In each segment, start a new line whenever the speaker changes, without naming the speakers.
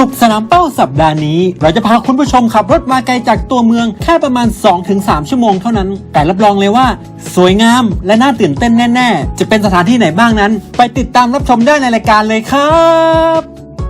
สุขสนามเป้าสัปดาห์นี้เราจะพาคุณผู้ชมขับรถมาไกลจากตัวเมืองแค่ประมาณ 2-3 ชั่วโมงเท่านั้นแต่รับรองเลยว่าสวยงามและน่าตื่นเต้นแน่ๆจะเป็นสถานที่ไหนบ้างนั้นไปติดตามรับชมได้ในรายการเลยครับ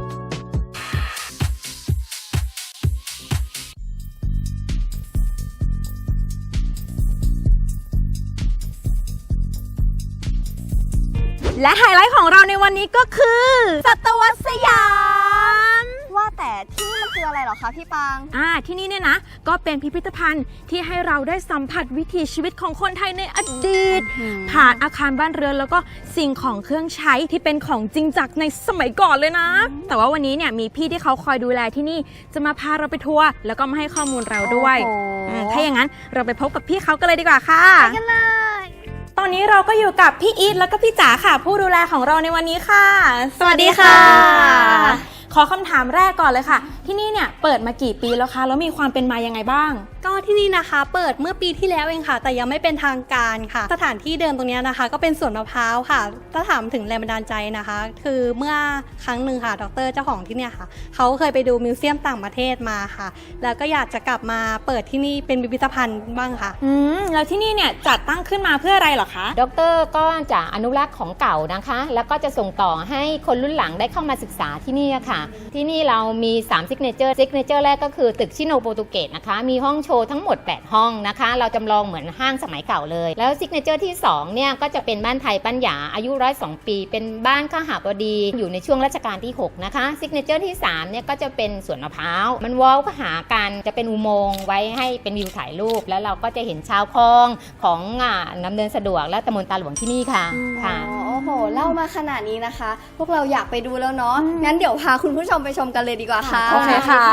และไฮไลท์ของเราในวันนี้ก็คือสัตวสยาม
ว่าแต่ที่นี่มันคืออะไรเหรอคะพี่ปาง
ที่นี่เนี่ยนะก็เป็นพิพิธภัณฑ์ที่ให้เราได้สัมผัสวิถีชีวิตของคนไทยในอดีตผ่านอาคารบ้านเรือนแล้วก็สิ่งของเครื่องใช้ที่เป็นของจริงจากในสมัยก่อนเลยนะแต่ว่าวันนี้เนี่ยมีพี่ที่เขาคอยดูแลที่นี่จะมาพาเราไปทัวร์แล้วก็มาให้ข้อมูลเราด้วยถ้าอย่างนั้นเราไปพบกับพี่เขากันเลยดีกว่าค่ะ
ไปกันเลย
ตอนนี้เราก็อยู่กับพี่อีทแล้วก็พี่จ๋าค่ะผู้ดูแลของเราในวันนี้ค่ะ
สวัสดีค่ะ
ขอคำถามแรกก่อนเลยค่ะที่นี่เนี่ยเปิดมากี่ปีแล้วคะแล้วมีความเป็นมายังไงบ้าง
ก็ที่นี่นะคะเปิดเมื่อปีที่แล้วเองค่ะแต่ยังไม่เป็นทางการค่ะสถานที่เดิมตรงนี้นะคะก็เป็นสวนมะพร้าวค่ะถ้าถามถึงแรงบันดาลใจนะคะคือเมื่อครั้งหนึ่งค่ะดร.เจ้าของที่เนี่ยค่ะเขาเคยไปดูมิวเซียมต่างประเทศมาค่ะแล้วก็อยากจะกลับมาเปิดที่นี่เป็นพิพิธภัณฑ์บ้างค่ะ
แล้วที่นี่เนี่ยจัดตั้งขึ้นมาเพื่ออะไรเหรอคะ
ดร.ก็จะอนุรักษ์ของเก่านะคะแล้วก็จะส่งต่อให้คนรุ่นหลังได้เข้ามาศึกษาที่นี่ค่ะที่นี่เรามี3ซิกเนเจอร์แรกก็คือตึกชิโนโปรตุเกสนะคะมีห้องโชว์ทั้งหมด8ห้องนะคะเราจำลองเหมือนห้างสมัยเก่าเลยแล้วซิกเนเจอร์ที่2เนี่ยก็จะเป็นบ้านไทยปัญญาอายุ102 ปีเป็นบ้านข้าหบดีอยู่ในช่วงรัชกาลที่6นะคะซิกเนเจอร์ที่3เนี่ยก็จะเป็นสวนมะพร้าวมันวอลก็หากันจะเป็นอุโมงค์ไว้ให้เป็นวิวถ่ายรูปแล้วเราก็จะเห็นชาวคลองของดำเนินสะดวกและตำบลตาหลวงที่นี่ค่ะ
โอ้โหเล่ามาขนาดนี้นะคะพวกเราอยากไปดูแล้วเนาะงั้นเดี๋ยวพาคุณผู้ชมไปชมกันเลยดีกว่าค่ะ
โอเคค่ะ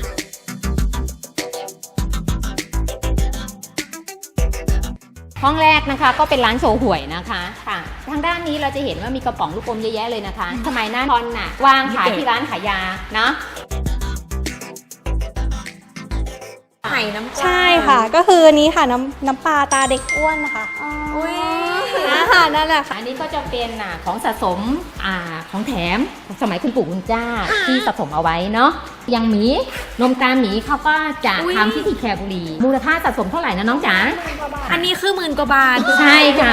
ห้องแรกนะคะก็เป็นร้านโชว์หวยนะคะค่ะทางด้านนี้เราจะเห็นว่ามีกระป๋องลูกอมเยอะแยะเลยนะคะสมัยนั้นทอนน่ะวางขายที่ร้านขายยาเนาะ
ไข่น้ำปลา
ใช่ค่ะก็คืออันนี้ค่ะน้ำปลาตาเด็กอ้วนนะคะ
อุ้ย
นั่นแหละค่ะ
อันนี้ก็จะเป็นของสะสมของแถมสมัยคุณปู่คุณย่าที่สะสมเอาไว้เนาะอย่างหมีนมตาหมีเขาก็จะทำที่แคบุรีมูลค่าสะสมเท่าไหร่นะน้องจ๋า
อันนี้คือ10,000 กว่าบาท
ใช่ค่ะ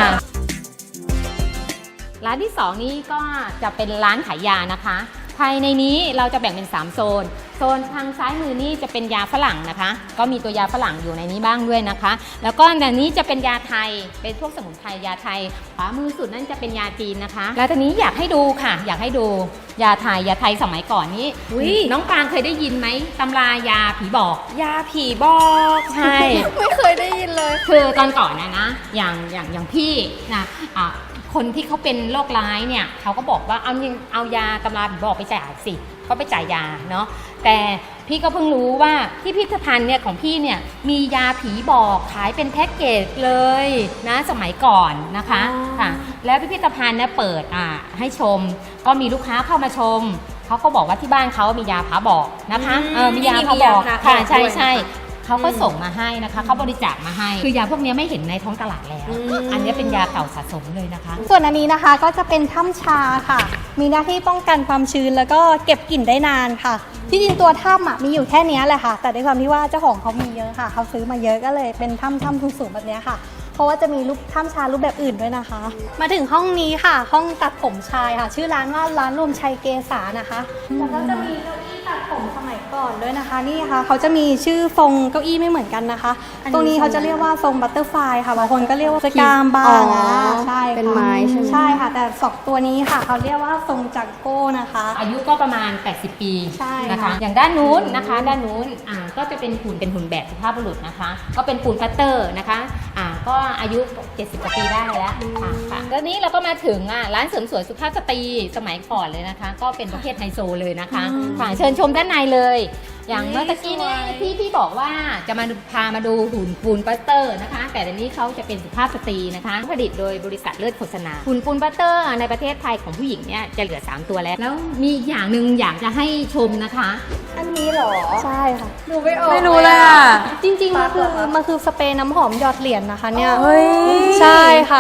ร้านที่2นี้ก็จะเป็นร้านขายยานะคะภายในนี้เราจะแบ่งเป็น3โซนทางซ้ายมือนี่จะเป็นยาฝรั่งนะคะก็มีตัวยาฝรั่งอยู่ในนี้บ้างด้วยนะคะแล้วก็อันนี้จะเป็นยาไทยเป็นพวกสมุนไพรยาไทยขวามือสุดนั่นจะเป็นยาจีนนะคะแล้วตอนนี้อยากให้ดูค่ะอยากให้ดูยาไทยสมัยก่อนนี้น้องปางเคยได้ยินไหมตำรายาผีบอก
ยาผีบอก
ใช่
ไม่เคยได้ยินเลย
คือตอนก่อนนะอย่างพี่นะคนที่เขาเป็นโรคร้ายเนี่ยเขาก็บอกว่าเอายาตำราผีบอกไปจ่ายสิก็ไปจ่ายยาเนาะแต่พี่ก็เพิ่งรู้ว่าที่พิพิธภัณฑ์เนี่ยของพี่เนี่ยมียาผีบอกขายเป็นแพ็กเกจเลยนะสมัยก่อนนะคะค่ะแล้วพิพิธภัณฑ์เนี่ยเปิดให้ชมก็มีลูกค้าเข้ามาชมเขาก็บอกว่าที่บ้านเขามียาผาบอกนะคะมียาผาบอกค่ะใช่เขาก็ส่งมาให้นะคะเขาบริจาคมาให้คือยาพวกนี้ไม่เห็นในท้องตลาดแล้วอันนี้เป็นยาเก่าสะสมเลยนะคะ
ส่วนอันนี้นะคะก็จะเป็นถ้ำชาค่ะมีหน้าที่ป้องกันความชื้นแล้วก็เก็บกลิ่นได้นานค่ะที่จริงตัวถ้ำมีอยู่แค่นี้แหละค่ะแต่ด้วยความที่ว่าเจ้าของเขามีเยอะค่ะเขาซื้อมาเยอะก็เลยเป็นถ้ำสูงแบบนี้ค่ะเพราะว่าจะมีรูปถ้ำชารูปแบบอื่นด้วยนะคะมาถึงห้องนี้ค่ะห้องตัดผมชายค่ะชื่อร้านว่าร้านรวมชัยเกษานะคะแล้วก็จะมีเก้าอี้ตัดผมสมัยก่อนด้วยนะคะนี่ค่ะเขาจะมีชื่อทรงเก้าอี้ไม่เหมือนกันนะคะตรงนี้เขาจะเรียกว่าทรงบัตเตอร์ไฟค่ะบางคนก็เรียกว่าสกามบางใช่
เป็นไม้
ใช่ค่ะแต่2ตัวนี้ค่ะเขาเรียกว่าทรงจักโก้นะคะ
อายุก็ประมาณ80 ปีนะคะอย่างด้านนู้นนะคะด้านนู้นก็จะเป็นหุ่นแบบสุภาพบุรุษนะคะก็เป็นปูนปัตเตอร์นะคะก็อายุ70 กว่าปีได้แล้วค่ะแล้วนี้เราก็มาถึงร้านเสริมสวยสุภาพสตรีสมัยก่อนเลยนะคะก็เป็นประเภทไฮโซเลยนะคะค่ะเชิญชมด้านในเลยอย่างเมื่อกี้นี้พี่บอกว่าจะมาพามาดูหุ่นปูนปัตเตอร์นะคะแต่ในนี้เขาจะเป็นสุภาพสตรีนะคะผลิตโดยบริษัทเลิศโฆษณาหุ่นปูนปัตเตอร์ในประเทศไทยของผู้หญิงเนี่ยจะเหลือ3ตัวแล้วมีอย่างหนึ่งอยากจะให้ชมนะคะ
อันนี้เหรอใช่ค่ะ
ดูไม่ออกไม่รู้เลยอ่ะ
จริงๆมันคือสเปรย์น้ำหอมหยอดเหรียญนะคะเนี่ยใช่ค่ะ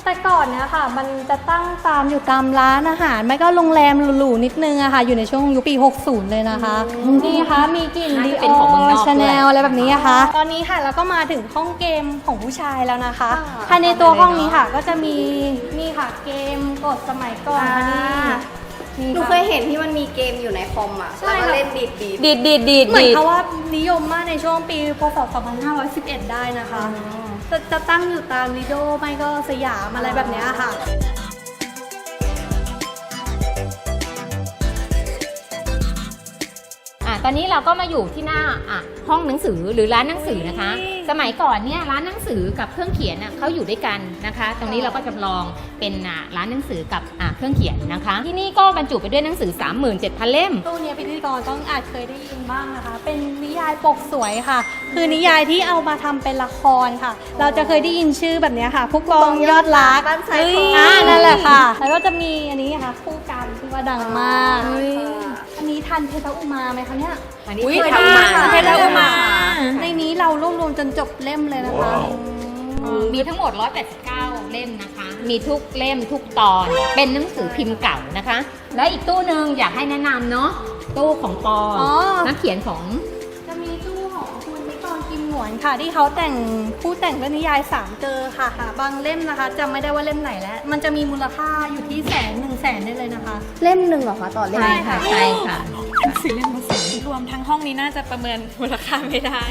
แต่ก่อนเนี่ยค่ะ มันจะตั้งอยู่ตามร้านอาหารไม่ก็โรงแรมหรูๆนิดนึงอะค่ะ อยู่ในช่วงยุคปี 60 เลยนะคะ นี่ค่ะมีกลิ่น
น่า
ดี
จะ
อ
เป็นของเมืองน
อ
อก
ชาแน
ด้วย
ลอะไรแบบนี้อะค่ะ ตอนนี้ค่ะเราก็มาถึงห้องเกมของผู้ชายแล้วนะคะภายในตัวห้องนี้ค่ะ ก็จะมีนี่ค่ะเกมกดสมัยก่อนค่ะนี่
หนูเคยเห็นที่มันมีเกมอยู่ในคอมอ่ะ
ใช่
แล้วก็
ค่ะ
เล่นดีด
ดีด
เหมือนเขาว่านิยมมากในช่วงปีพศ 2511 ได้นะคะ จะตั้งอยู่ตามลิโดไม่ก็สยามอะไรแบบเนี้ยค่ะ
ตอนนี้เราก็มาอยู่ที่หน้าห้องหนังสือหรือร้านหนังสือนะคะ สมัยก่อนเนี่ยร้านหนังสือกับเครื่องเขียนเขาอยู่ด้วยกันนะคะ ตรงนี้เราก็จำลองเป็นร้านหนังสือกับเครื่องเขียนนะคะ ที่นี่ก็บรรจุไปด้วยหนังสือ 37,000 เล่ม
ตู้เนี้ยพิธีกรต้องอาจเคยได้ยินบ้างนะคะ เป็นนิยายปกสวยค่ะ คือนิยายที่เอามาทำเป็นละครค่ะ เราจะเคยได้ยินชื่อแบบเนี้ยค่ะ ผู้กองยอดรัก
บ้านซ้ายของ
นั่นแหละค่ะ แล้วก็จะมีอันนี้ค่ะคู่กรรมที่ว่าดังมาก อันนี้ทันเพชรอุมาไหมคะเนี่ย
อันนี้
อุ๊ย
เคย
ทัน
ทำมา
ค่ะ
เพชรอุมา ในนี้เรารวบรวมจนจบเล่มเลยนะคะ
มีทั้งหมด 189 เล่มนะคะ มีทุกเล่มทุกตอน เป็นหนังสือพิมพ์เก่านะคะ แล้วอีกตู้หนึ่งอยากให้แนะนำเนาะ ตู้ของปอ
อ๋อ
นักเขียนของ
จะมีตู้ของคุณนิกรกิมหนวนค่ะ ที่เขาแต่งผู้แต่งเรื่องนิยาย3เจอค่ะบางเล่มนะคะจำไม่ได้ว่าเล่มไหนแล้ว มันจะมีมูลค่าอยู่ที่100,000ได้เลยนะคะ
เล่มหนึ่งเหรอคะต่อเล่ม
ใช่ค่ะ ใช่ค่ะ
รวมทั้งห้องนี้น่าจะประเมินมูลค่าไม่ได้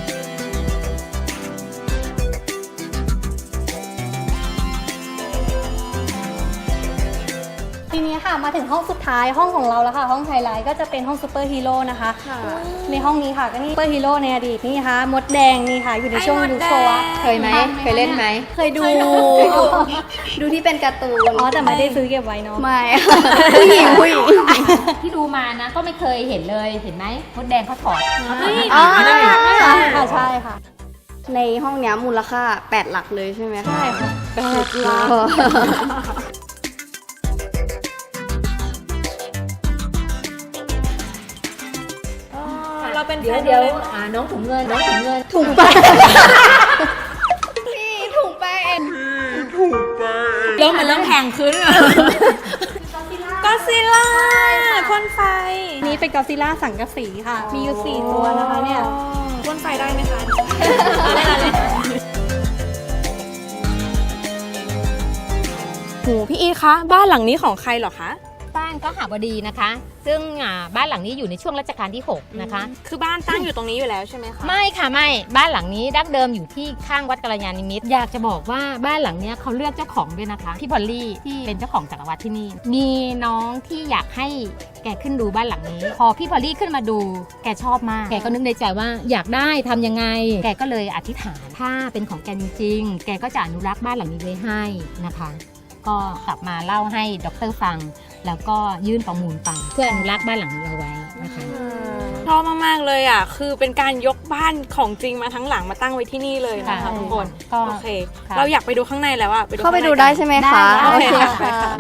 ทีนี้ค่ะมาถึงห้องสุดท้ายห้องของเราแล้วค่ะ ห้องไฮไลท์ก็จะเป็นห้องซูเปอร์ฮีโร่นะคะ ในห้องนี้ค่ะก็นี่ซูเปอร์ฮีโร่ในอดีตนี่ค่ะมดแดงนี่ค่ะ อยู่ในช่วงยุคโชวะ
เคยไหม เคยเล่นไหม
เคยดู
ดูที่เป็นการ์ตูน
อ๋อแต่ไม่ได้ซื้อเก็บไว้เนาะ
ไม่ ผู้หญิง
ที่ดูมานะก็ไม่เคยเห็นเลย เห็นไหมมดแดงเขาถอด
อ๋อ
ค่ะใช่ค่ะ
ในห้องเนี้ยมูลค่า 8 หลักเลยใช่ไหมคะ
ใช่ค่ะ
สุดยอด
เราเป็น
เดี๋ยว
แฟน
เดี๋ยว
เลย
น้องถุงเงิน น้องถุงเงิน
ถุงไปพี่ถุงไป
เริ่มมันเริ่มแพงขึ้นก็ซิล่าพ่นไฟ
นี่เป็นกอซิล่าสังกะสีค่ะ มีอยู่ 4 ตัวนะคะเนี่ย
พ่นไฟได้ไหมคะ โหพี่อีทคะบ้านหลังนี้ของใครเหรอคะ
บ้านก็หาบดีนะคะ ซึ่งบ้านหลังนี้อยู่ในช่วงรัชกาลที่ 6 นะคะ
คือบ้านตั้งอยู่ตรงนี้อยู่แล้วใช่ไหมคะ
ไม่ค่ะไม่บ้านหลังนี้ดั้งเดิมอยู่ที่ข้างวัดกัลยาณิมิตรอยากจะบอกว่าบ้านหลังเนี้ยเขาเลือกเจ้าของด้วยนะคะพี่พอลลี่ที่เป็นเจ้าของจักรวรรดิที่นี่ มีน้องที่อยากให้แกขึ้นดูบ้านหลังนี้ พอพี่พอลลี่ขึ้นมาดูแกชอบมากแกก็นึกในใจว่าอยากได้ทำยังไง แกก็เลยอธิษฐานถ้าเป็นของแกจริงๆแกก็จะอนุรักษ์บ้านหลังนี้ไว้ให้นะคะ ก็กลับมาเล่าให้ดร.ฟัง แล้วก็ยื่นประมูลไปเพื่ออนุรักษ์บ้านหลังนี้เอาไว้นะคะ
ชอบมากๆเลยอ่ะ คือเป็นการยกบ้านของจริงมาทั้งหลังมาตั้งไว้ที่นี่เลยนะคะ
ค่ะ
ทุกคน
ก็
โอเค
ค่ะ
เราอยากไปดูข้างในแล้วอ่ะ
เข้าไปดูได้ใช่ไหมคะ
โอ
โอ
เค
เค
ค่ะ
ค่ะ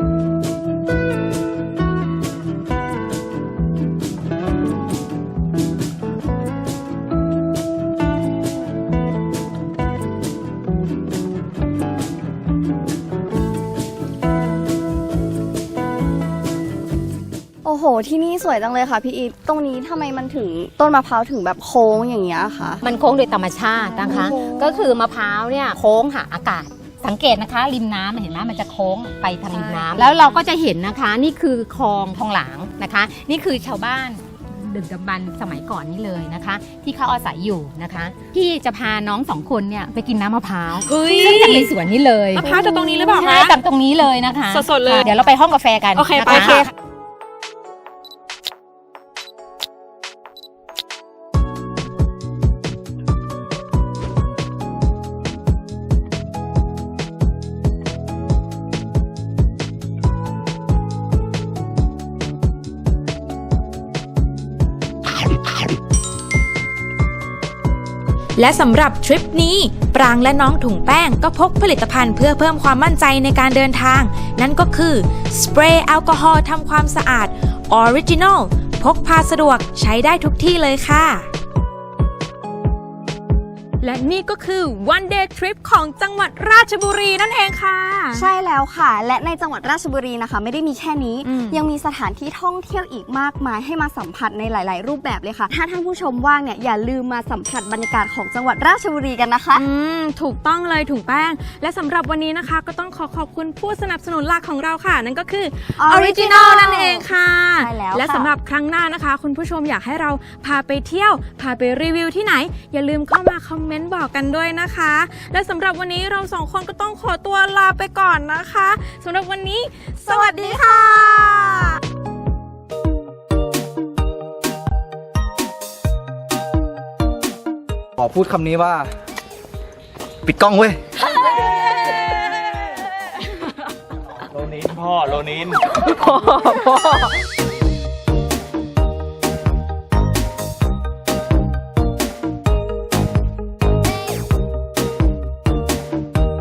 โอ้โห ที่นี่สวยจังเลยค่ะพี่อีทตรงนี้ทำไมมันถึงต้นมะพร้าวถึงแบบโค้งอย่างเงี้ยคะ
มันโค้งโดยธรรมชาตินะคะ ก็คือมะพร้าวเนี่ยโค้งหาอากาศ สังเกตนะคะริมน้ำเห็นไหมมันจะโค้งไปทางริมน้ำแล้วเราก็จะเห็นนะคะนี่คือคลองทองหลางนะคะ นี่คือชาวบ้านดึกดำบรรพ์สมัยก่อนนี่เลยนะคะ ที่เขาอาศัยอยู่นะคะพี่จะพาน้องสองคนเนี่ยไปกินน้ำมะพร้าว
เฮ้ย
ซึ่งจากในสวนนี้เลย
มะพร้าวจากตรงนี้หรือเปล่าคะ
ใช่จากตรงนี้เลยนะคะ
สดๆเลย
เดี๋ยวเราไปห้องกาแฟกัน
โอเค
นะ
ไป
คะ
ค่ะ
และสำหรับทริปนี้ปรางและน้องถุงแป้งก็พกผลิตภัณฑ์เพื่อเพิ่มความมั่นใจในการเดินทาง นั่นก็คือสเปรย์แอลกอฮอล์ทำความสะอาดออริจินอลพกพาสะดวกใช้ได้ทุกที่เลยค่ะ
และนี่ก็คือ one day trip ของจังหวัดราชบุรีนั่นเองค่ะ
ใช่แล้วค่ะ และในจังหวัดราชบุรีนะคะ ไม่ได้มีแค่นี้
อืม
ยังมีสถานที่ท่องเที่ยวอีกมากมายให้มาสัมผัสในหลาย ๆ รูปแบบเลยค่ะ ถ้าท่านผู้ชมว่างเนี่ยอย่าลืมมาสัมผัสบรรยากาศของจังหวัดราชบุรีกันนะคะ
ถูกต้องเลยถุงแป้ง และสำหรับวันนี้นะคะ ก็ต้องขอบคุณผู้สนับสนุนหลักของเราค่ะ นั่นก็คือ
Original
นั่นเองค่ะ
ใช่แล้วค่ะ
และสำหรับครั้งหน้านะคะ คุณผู้ชมอยากให้เราพาไปเที่ยว พาไปรีวิวที่ไหน อย่าลืมเข้ามาคอมเมนต์บอกกันด้วยนะคะ และสำหรับวันนี้เราสองคนก็ต้องขอตัวลาไปก่อนนะคะสำหรับวันนี้ สวัสดีค่ะ
ขอพูดคำนี้ว่า ปิดกล้องเว้ย
โลนินพ่อ โลนิน
พ่อ